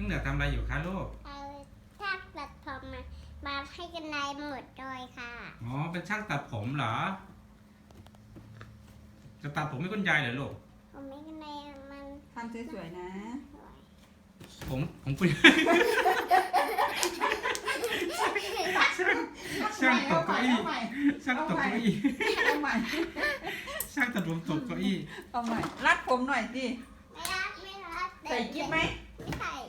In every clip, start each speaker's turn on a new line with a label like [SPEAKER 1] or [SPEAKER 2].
[SPEAKER 1] องเหนือทำอะไรอยู่คะลูก
[SPEAKER 2] เอาถ้าตัดผมมาให้กันไดหมดเลยค่ะ
[SPEAKER 1] อ๋อเป็นช่างตัดผมเหรอจะตัดผมให้คุณยายเหรอลูก
[SPEAKER 2] ผมไม่กันไดมัน
[SPEAKER 3] ทำสวยๆนะ
[SPEAKER 1] ผมคุณช่างตกเก้าอี้ช่างตกเก้าอี้
[SPEAKER 3] เอาใหม่
[SPEAKER 1] ช่างตัดผมตกเก้าอี้
[SPEAKER 3] เอาใหม่รัดผมหน่อยสิ
[SPEAKER 2] ไม่รัด
[SPEAKER 3] ใส่กิ๊บไหม
[SPEAKER 2] ไม่ใส่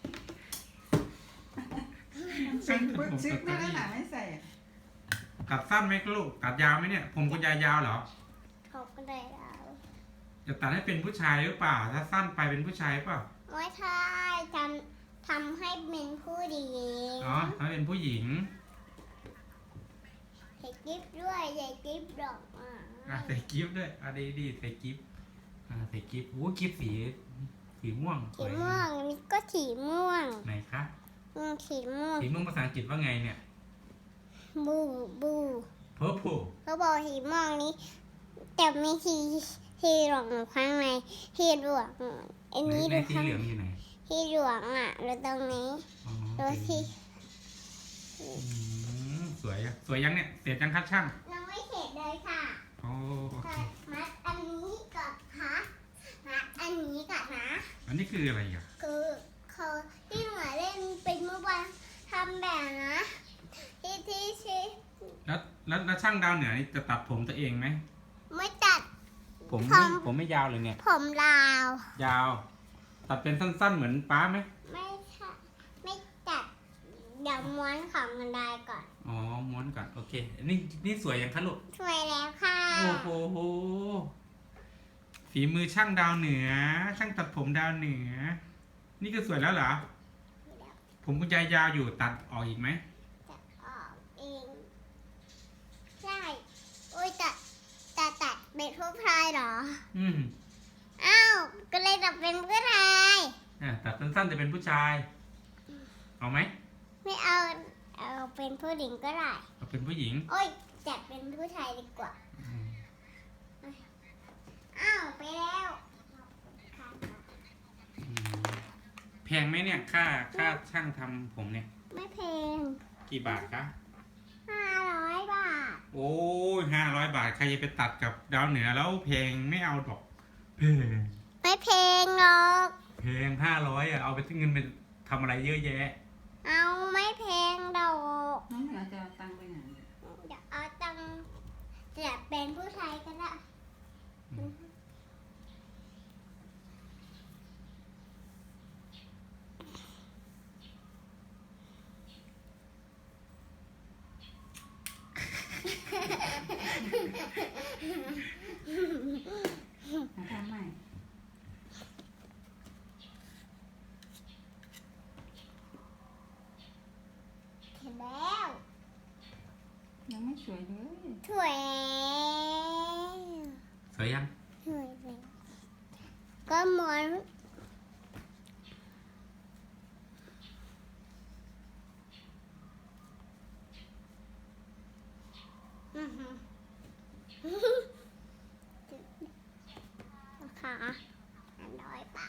[SPEAKER 1] ช่างตัดผมต
[SPEAKER 3] ชึก
[SPEAKER 1] ก
[SPEAKER 3] นั่
[SPEAKER 1] เก้าน อี้
[SPEAKER 3] น่ะไม่ใส่
[SPEAKER 1] ตัดสั้นไหมลูกตัดยาวไหมเนี่ยผมคุณยายยาวเหรอ
[SPEAKER 2] ผมกันไดแล้ว
[SPEAKER 1] จะตัดให้เป็นผู้ชายหรือเปล่าถ้าสั้นไปเป็นผู้ชายเปล่า
[SPEAKER 2] ไม่ใช่ทำให้เป็นผู้หญิง
[SPEAKER 1] อ๋อถ้าเป็นผู้หญิง
[SPEAKER 2] ใส่กิ๊บด้วยใส่กิ๊บดอก
[SPEAKER 1] ใส่กิฟต์ด้วยดีใส่กิฟต์ใส่กิฟต์กิฟต์สีม่วง
[SPEAKER 2] สีม่วงนี่ก็สีม่วง
[SPEAKER 1] ไหนคะ
[SPEAKER 2] สีม่วง
[SPEAKER 1] สีม่วงภาษาอังกฤษว่าไงเนี่ย
[SPEAKER 2] บู
[SPEAKER 1] purple
[SPEAKER 2] เขาบอกสีม่วงนี้แต่มีสีเหลืองข้างในสีเหลืองอันนี้
[SPEAKER 1] ในสีเหลืองอยู่ไหน
[SPEAKER 2] สีเหลืองแล้วตรงนี้ดูสิ
[SPEAKER 1] สวยยังเนี่ยเสร็จยังครับช่าง
[SPEAKER 2] ยังไม่เสร็จเลยค่ะ
[SPEAKER 1] โอเค
[SPEAKER 2] มัดอันนี้ก่อนค่ะมัดอันนี้ก่อนนะ
[SPEAKER 1] อันนี้คืออะไรอ่ะ
[SPEAKER 2] คือเขาที่หนูเล่นเป็นเมื่อวานทำแบบนะที่
[SPEAKER 1] แล้วช่างดาวเหนือนี่จะตัดผมตัวเองไหม
[SPEAKER 2] ไม่ตัด
[SPEAKER 1] ผมไม่ยาวเลยเนี่ย
[SPEAKER 2] ผมยาวย
[SPEAKER 1] าวตัดเป็นสั้นๆเหมือนป้าไหม
[SPEAKER 2] ไม่ค่ะไม่ตัดเดี๋ยวม้วนของมันได้ก่อน
[SPEAKER 1] อ๋อม้วนก่อนโอเคนี่สวยยังคะลูก
[SPEAKER 2] สวยแล้วค่ะ
[SPEAKER 1] โอ้โหฝีมือช่างดาวเหนือช่างตัดผมดาวเหนือนี่ก็สวยแล้วเหรอผมคุณยายยาวอยู่ตัดออกอีกไหม
[SPEAKER 2] ตัดออกเองใช่โอ้ยตัดเป็นผู้ชายเหรออ้าวก็เลยตัดเป็นผู้ชาย
[SPEAKER 1] ตัดสั้นๆจะเป็นผู้ชายเอาไหม
[SPEAKER 2] ไม่เอาเป็นผู้หญิงก็ได้
[SPEAKER 1] เอาเป็นผู้หญิง
[SPEAKER 2] โอ้ยจัดเป็นผู้ชายดีกว่าอ้าวไปแล้ว
[SPEAKER 1] แพงไหมเนี่ยค่าช่างทำผมเนี่ย
[SPEAKER 2] ไม่แพง
[SPEAKER 1] กี่บาทคะ
[SPEAKER 2] 500 บาท
[SPEAKER 1] โอ้ย500 บาทใครจะไปตัดกับดาวเหนือแล้วแพงไม่เอาดอกแพง
[SPEAKER 2] ไม่แพงหรอก
[SPEAKER 1] แพง500เอาไปเงินไปทำอะไรเยอะแยะ
[SPEAKER 2] เอาไม่แพงดอก
[SPEAKER 3] น้องเหนือจะเอาตังค์ไปไหน
[SPEAKER 2] เดี๋ยวเอาตังค์จะเป็นผู้ชายก็ได้
[SPEAKER 3] ทำใหม่
[SPEAKER 2] เสร็จแล้ว
[SPEAKER 3] ยังไม่สวยเลย
[SPEAKER 2] สวย
[SPEAKER 1] ยัง
[SPEAKER 2] สวยเลยก็ม้วน